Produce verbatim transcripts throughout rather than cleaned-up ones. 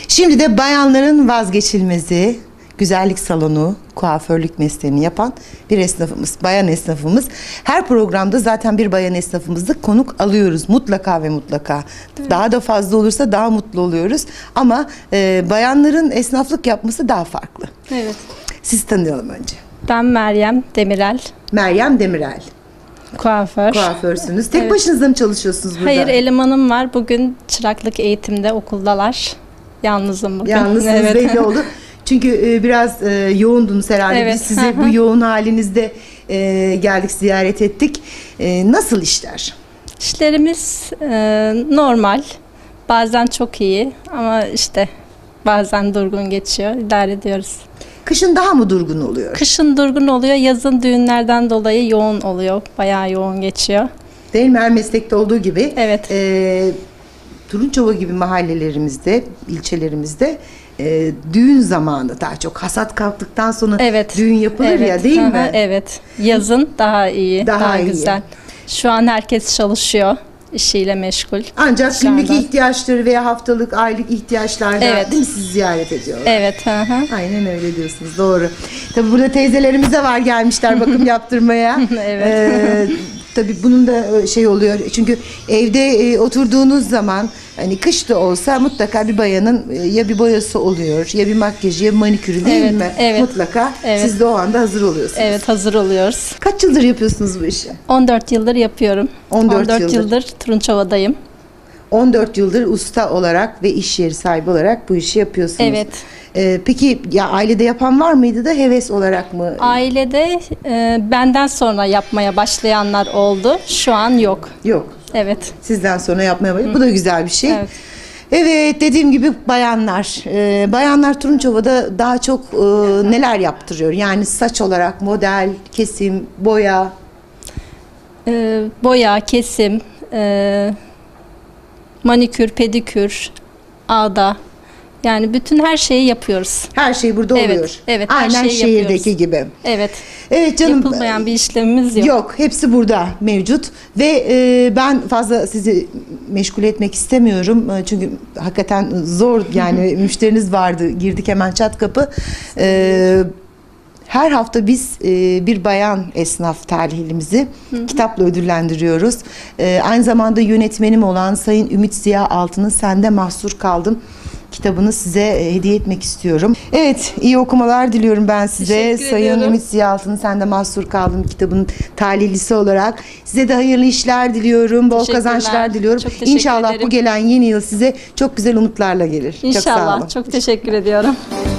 Şimdi de bayanların vazgeçilmezi, güzellik salonu, kuaförlük mesleğini yapan bir esnafımız, bayan esnafımız. Her programda zaten bir bayan esnafımızı konuk alıyoruz mutlaka ve mutlaka. Evet. Daha da fazla olursa daha mutlu oluyoruz. Ama e, bayanların esnaflık yapması daha farklı. Evet. Sizi tanıyalım önce. Ben Meryem Demirel. Meryem Demirel. Kuaför. Kuaförsünüz. Tek Evet. başınıza mı çalışıyorsunuz burada? Hayır, elemanım var. Bugün çıraklık eğitimde okuldalar. Yalnızım bugün. Yalnızsınız Evet. belli oldu. Çünkü e, biraz e, yoğundunuz herhalde. Evet. Biz size bu yoğun halinizde e, geldik, ziyaret ettik. E, nasıl işler? İşlerimiz e, normal. Bazen çok iyi ama işte bazen durgun geçiyor. İdare ediyoruz. Kışın daha mı durgun oluyor? Kışın durgun oluyor. Yazın düğünlerden dolayı yoğun oluyor. Bayağı yoğun geçiyor. Değil mi? Her meslekte olduğu gibi. Evet. E, Turunçova gibi mahallelerimizde, ilçelerimizde e, düğün zamanı daha çok hasat kalktıktan sonra Evet. düğün yapılır Evet. ya, değil Hı hı, mi? Evet. Yazın daha iyi, Daha daha, iyi. güzel. Şu an herkes çalışıyor. İşiyle meşgul. Ancak Şu günlük anda. ihtiyaçları veya haftalık, aylık ihtiyaçlarda Evet. değil mi, sizi ziyaret ediyorlar? Evet. Hı hı. Aynen öyle diyorsunuz, doğru. Tabii burada teyzelerimiz de var, gelmişler bakım yaptırmaya. Evet. Ee, tabii bunun da şey oluyor çünkü evde e, oturduğunuz zaman hani kış da olsa mutlaka bir bayanın e, ya bir boyası oluyor ya bir makyajı ya bir manikürü, değil Evet, mi? evet. Mutlaka Evet. siz de o anda hazır oluyorsunuz. Evet, hazır oluyoruz. Kaç yıldır yapıyorsunuz bu işi? on dört yıldır yapıyorum. on dört yıldır. yıldır Turunçova'dayım. on dört yıldır usta olarak ve iş yeri sahibi olarak bu işi yapıyorsunuz. Evet. Ee, peki ya ailede yapan var mıydı da heves olarak mı? Ailede e, benden sonra yapmaya başlayanlar oldu. Şu an yok. Yok. Evet. Sizden sonra yapmaya başladı. Bu da güzel bir şey. Evet. Evet, dediğim gibi bayanlar. Ee, bayanlar Turunçova'da daha çok e, neler yaptırıyor? Yani saç olarak model, kesim, boya. E, boya, kesim, e, manikür, pedikür, ağda. Yani bütün her şeyi yapıyoruz. Her şey burada Evet, oluyor. evet, her Aynen şeyi şehirdeki yapıyoruz. gibi. Evet. Evet canım. Yapılmayan bir işlemimiz yok. Yok, hepsi burada mevcut ve e, ben fazla sizi meşgul etmek istemiyorum E, çünkü hakikaten zor, yani müşteriniz vardı, girdik hemen çat kapı. E, her hafta biz e, bir bayan esnaf talihimizi kitapla ödüllendiriyoruz. E, aynı zamanda yönetmenim olan Sayın Ümit Ziya Altın'ın Sende Mahsur Kaldım kitabını size e, hediye etmek istiyorum. Evet, iyi okumalar diliyorum ben size. Teşekkür Sayın ediyorum. Ümit Ziya Altın'ın Sende Mahsur Kaldım kitabının talihlisi olarak size de hayırlı işler diliyorum, bol Teşekkürler. kazançlar diliyorum. Çok teşekkür İnşallah ederim. bu gelen yeni yıl size çok güzel umutlarla gelir. Çok sağ olun. İnşallah. Çok teşekkür ediyorum.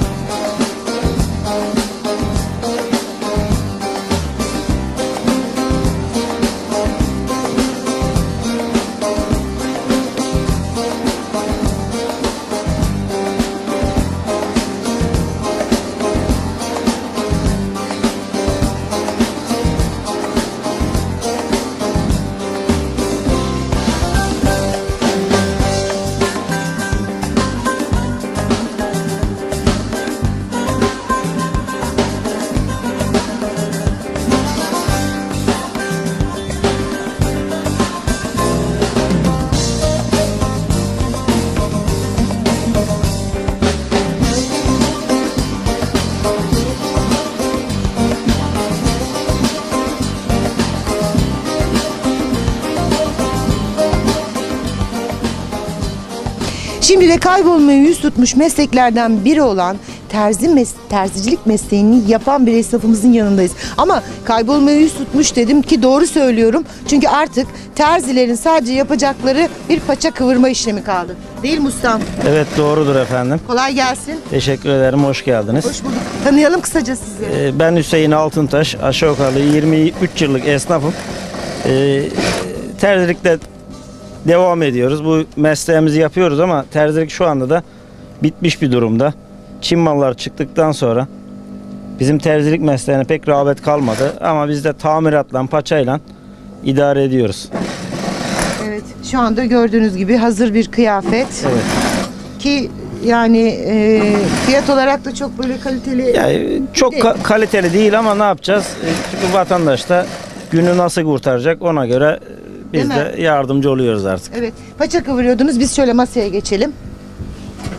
Şimdi de kaybolmaya yüz tutmuş mesleklerden biri olan terzi mes terzicilik mesleğini yapan bir esnafımızın yanındayız. Ama kaybolmaya yüz tutmuş dedim ki doğru söylüyorum. Çünkü artık terzilerin sadece yapacakları bir paça kıvırma işlemi kaldı. Değil mi ustam? Evet, doğrudur efendim. Kolay gelsin. Teşekkür ederim, hoş geldiniz. Hoş bulduk. Tanıyalım kısaca sizi. Ee, Ben Hüseyin Altıntaş, aşağı yukarı yirmi üç yıllık esnafım. Ee, terzilikte devam ediyoruz. Bu mesleğimizi yapıyoruz ama terzilik şu anda da bitmiş bir durumda. Çin mallar çıktıktan sonra bizim terzilik mesleğine pek rağbet kalmadı ama biz de tamiratla, paçayla idare ediyoruz. Evet, şu anda gördüğünüz gibi hazır bir kıyafet. Evet. Ki yani e, fiyat olarak da çok böyle kaliteli. Yani çok ka- kaliteli değil ama ne yapacağız? E, Çünkü vatandaş da günü nasıl kurtaracak, ona göre e, biz Değil de yardımcı oluyoruz artık. Evet, paça kıvırıyordunuz. Biz şöyle masaya geçelim.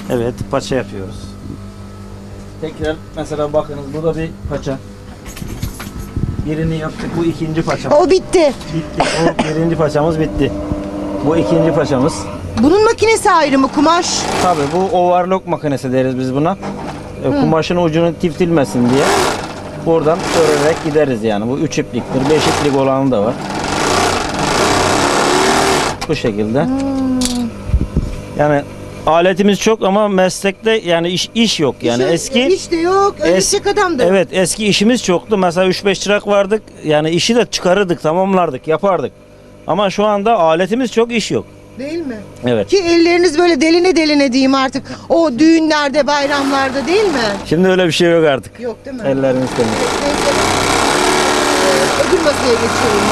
Evet, paça yapıyoruz. Tekrar mesela bakınız bu da bir paça. Birini yaptık, bu ikinci paçamız. O bitti. Bitti. O birinci paçamız bitti. Bu ikinci paçamız. Bunun makinesi ayrı mı? Kumaş. Tabii bu overlock makinesi deriz biz buna. E, kumaşın ucunu tiftilmesin diye buradan örerek gideriz yani. Bu üç ipliktir, beş iplik olanı da var. Bu şekilde. Hmm. Yani aletimiz çok ama meslekte yani iş iş yok yani İş- eski. iş de yok. Ölecek adam da yok. Evet, eski işimiz çoktu. Mesela üç beş çırak vardık. Yani işi de çıkarırdık, tamamlardık, yapardık. Ama şu anda aletimiz çok, iş yok. Değil mi? Evet. Ki elleriniz böyle deline deline diyeyim artık. O düğünlerde, bayramlarda değil mi? Şimdi öyle bir şey yok artık. Yok değil mi? Ellerimiz temiz. Neyse. Ee, Öbür masaya geçiyorum.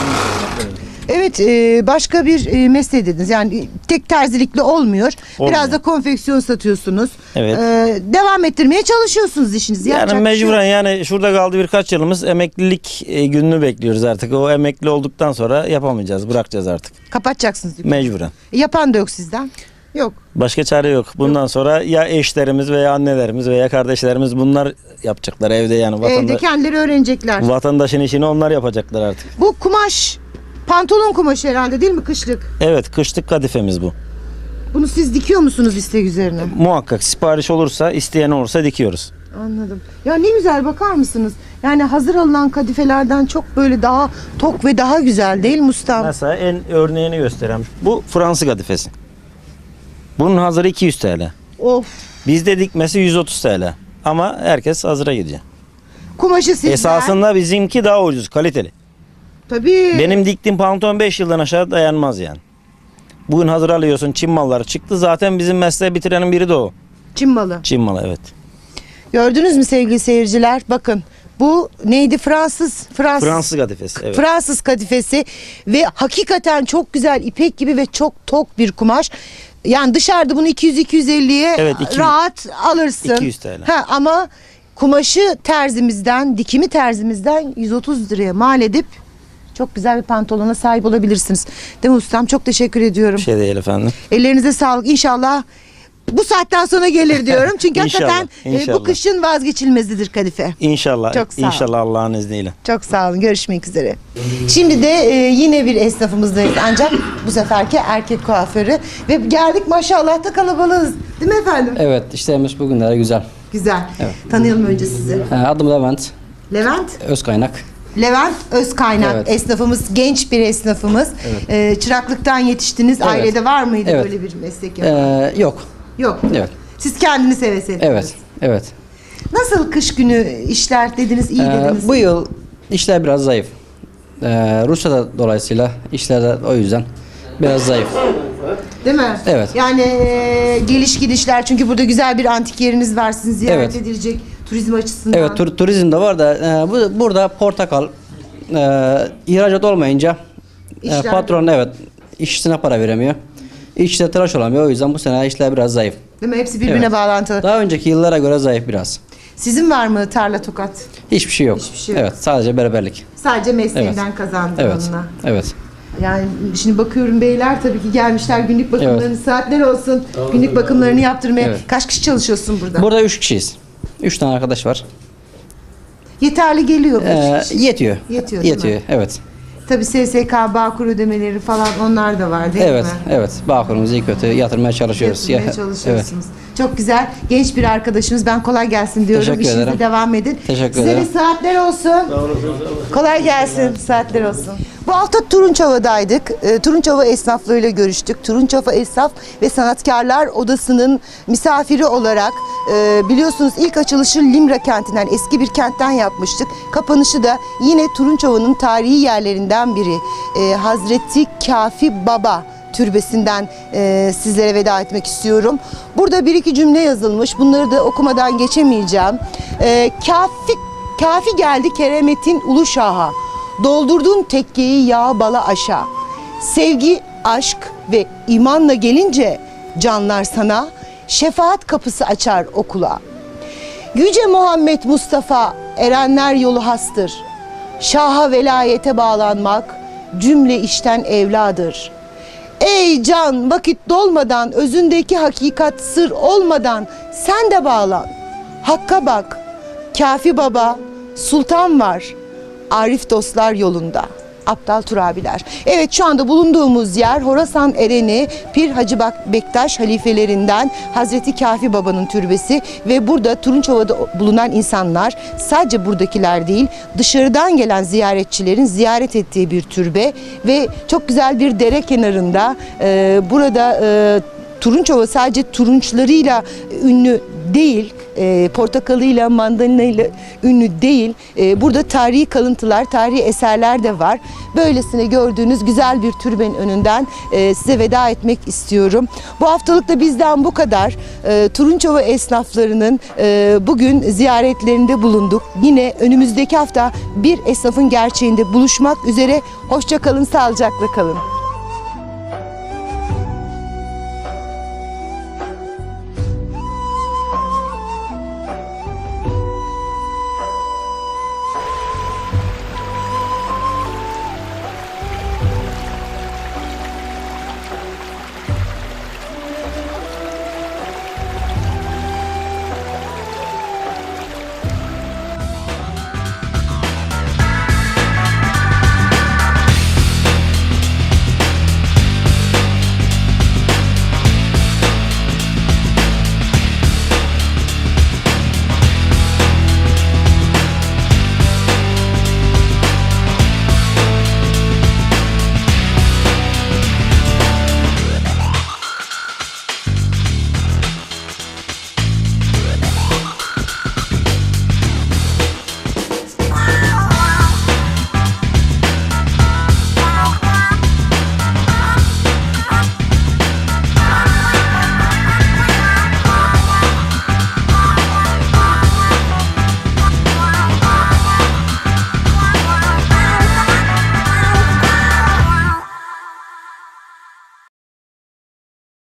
Evet, e, başka bir e, mesleği dediniz. Yani tek terzilikle olmuyor. Olmuyor. Biraz da konfeksiyon satıyorsunuz. Evet. Ee, devam ettirmeye çalışıyorsunuz işinizi. Yani Yapacak bir şey mecburen yok. yani şurada kaldı birkaç yılımız, emeklilik e, gününü bekliyoruz artık. O emekli olduktan sonra yapamayacağız, bırakacağız artık. Kapatacaksınız. dükkanı. Mecburen. Yapan da yok sizden. Yok. Başka çare yok. Bundan sonra ya eşlerimiz veya annelerimiz veya kardeşlerimiz bunlar yapacaklar evde yani. Evde Vatanda, kendileri öğrenecekler. vatandaşın işini onlar yapacaklar artık. Bu kumaş pantolon kumaşı herhalde değil mi, kışlık? Evet, kışlık kadifemiz bu. Bunu siz dikiyor musunuz istek üzerine? Muhakkak sipariş olursa, isteyen olursa dikiyoruz. Anladım. Ya ne güzel, bakar mısınız? Yani hazır alınan kadifelerden çok böyle daha tok ve daha güzel değil mi ustam? Mesela en örneğini göstereyim. Bu Fransız kadifesi. Bunun hazırı iki yüz T L. Of. Bizde dikmesi yüz otuz T L. Ama herkes hazıra gidiyor. Kumaşı sizden. Esasında bizimki daha ucuz, kaliteli. Tabii. Benim diktiğim pantolon beş yıldan aşağı dayanmaz yani. Bugün hazır alıyorsun, Çin malları çıktı. Zaten bizim mesleği bitirenin biri de o. Çin malı. Çin malı, evet. Gördünüz mü sevgili seyirciler? Bakın bu neydi? Fransız. Fransız. Fransız kadifesi, evet. Fransız kadifesi ve hakikaten çok güzel, ipek gibi ve çok tok bir kumaş. Yani dışarıda bunu iki yüz iki yüz elliye Evet, iki yüz. rahat alırsın. iki yüz T L. Ha, ama kumaşı terzimizden, dikimi terzimizden yüz otuz liraya mal edip çok güzel bir pantolona sahip olabilirsiniz. Değil mi ustam? Çok teşekkür ediyorum. Bir şey değil efendim. Ellerinize sağlık. İnşallah bu saatten sonra gelir diyorum. Çünkü İnşallah, hakikaten e, bu inşallah. kışın vazgeçilmezidir kadife. İnşallah. Çok sağ ol. İnşallah Allah'ın izniyle. Çok sağ olun. Görüşmek üzere. Şimdi de e, yine bir esnafımızdayız. Ancak bu seferki erkek kuaförü. Ve geldik maşallah da kalabalığız. Değil mi efendim? Evet, işlerimiz bugünlere güzel. Güzel. Tanıyalım önce sizi. Ee, Adım Levent Levent. Özkaynak. Levent Özkaynak. Evet. Esnafımız, genç bir esnafımız. E, çıraklıktan yetiştiniz. Evet. Ailede var mıydı Evet. böyle bir meslek yapan? Ee, yok. Yok. Evet. Siz kendiniz heves ettiniz. Evet. Evet. Nasıl kış günü işler dediniz, iyi Ee, dediniz. bu yıl işler biraz zayıf. Ee, Rusya'da dolayısıyla işler de o yüzden biraz zayıf. Değil mi? Evet. Yani e, geliş gidişler, çünkü burada güzel bir antik yeriniz var, sizin ziyaret Evet. edilecek turizm açısından. Evet, tur, turizm de var da e, bu, burada portakal e, ihracat olmayınca e, İşler- patron evet işçisine para veremiyor. İşçi de tıraş olamıyor. O yüzden bu sene işler biraz zayıf. Değil mi? Hepsi birbirine Evet. bağlantılı. Daha önceki yıllara göre zayıf biraz. Sizin var mı tarla tokat? Hiçbir şey yok. Hiçbir şey yok. Evet, sadece berberlik. Sadece mesleğinden kazandın Evet. onunla. Evet. Yani şimdi bakıyorum, beyler tabii ki gelmişler günlük bakımlarını, saatler olsun günlük bakımlarını yaptırmaya. Evet. Kaç kişi çalışıyorsun burada? Burada üç kişiyiz. Üç tane arkadaş var. Yeterli geliyor mu? Ee, Üç kişi? yetiyor. Yetiyor, değil mi? Yetiyor. Evet. Tabii S S K, Bağkur ödemeleri falan, onlar da var değil Evet. mi? Evet. Bağkurumuzu iyi kötü yatırmaya çalışıyoruz. Yapmaya Ya- çalışıyorsunuz. Çok güzel. Genç bir arkadaşımız. Ben kolay gelsin diyorum. Teşekkür İşinize ederim. devam edin. Teşekkür Size ederim. de saatler olsun. Kolay gelsin. Saatler olsun. Bu hafta Turunçova'daydık. E, Turunçova esnaflarıyla görüştük. Turunçova Esnaf ve Sanatkarlar Odası'nın misafiri olarak e, biliyorsunuz ilk açılışı Limra kentinden, eski bir kentten yapmıştık. Kapanışı da yine Turunçova'nın tarihi yerlerinden biri. E, Hazreti Kafi Baba türbesinden e, sizlere veda etmek istiyorum. Burada bir iki cümle yazılmış. Bunları da okumadan geçemeyeceğim. E, kafi, kafi geldi keremetin ulu şaha. Doldurdun tekkeyi yağ bala aşağı. Sevgi, aşk ve imanla gelince canlar sana şefaat kapısı açar okula. Yüce Muhammed Mustafa erenler yolu hastır. Şaha velayete bağlanmak cümle işten evladır. Ey can, vakit dolmadan, özündeki hakikat sır olmadan sen de bağlan. Hakka bak, Kafi Baba, Sultan var, Arif dostlar yolunda. Aptal Turabiler. Evet, şu anda bulunduğumuz yer Horasan Ereni Pir Hacı Bak- Bektaş halifelerinden Hazreti Kafi Baba'nın türbesi ve burada Turunçova'da bulunan insanlar, sadece buradakiler değil, dışarıdan gelen ziyaretçilerin ziyaret ettiği bir türbe ve çok güzel bir dere kenarında. Ee, burada e, Turunçova sadece turunçlarıyla ünlü değil, e, portakalıyla, mandalinayla ünlü değil. E, burada tarihi kalıntılar, tarihi eserler de var. Böylesine gördüğünüz güzel bir türbenin önünden e, size veda etmek istiyorum. Bu haftalık da bizden bu kadar. E, Turunçova esnaflarının e, bugün ziyaretlerinde bulunduk. Yine önümüzdeki hafta bir esnafın gerçeğinde buluşmak üzere. Hoşça kalın, sağlıcakla kalın.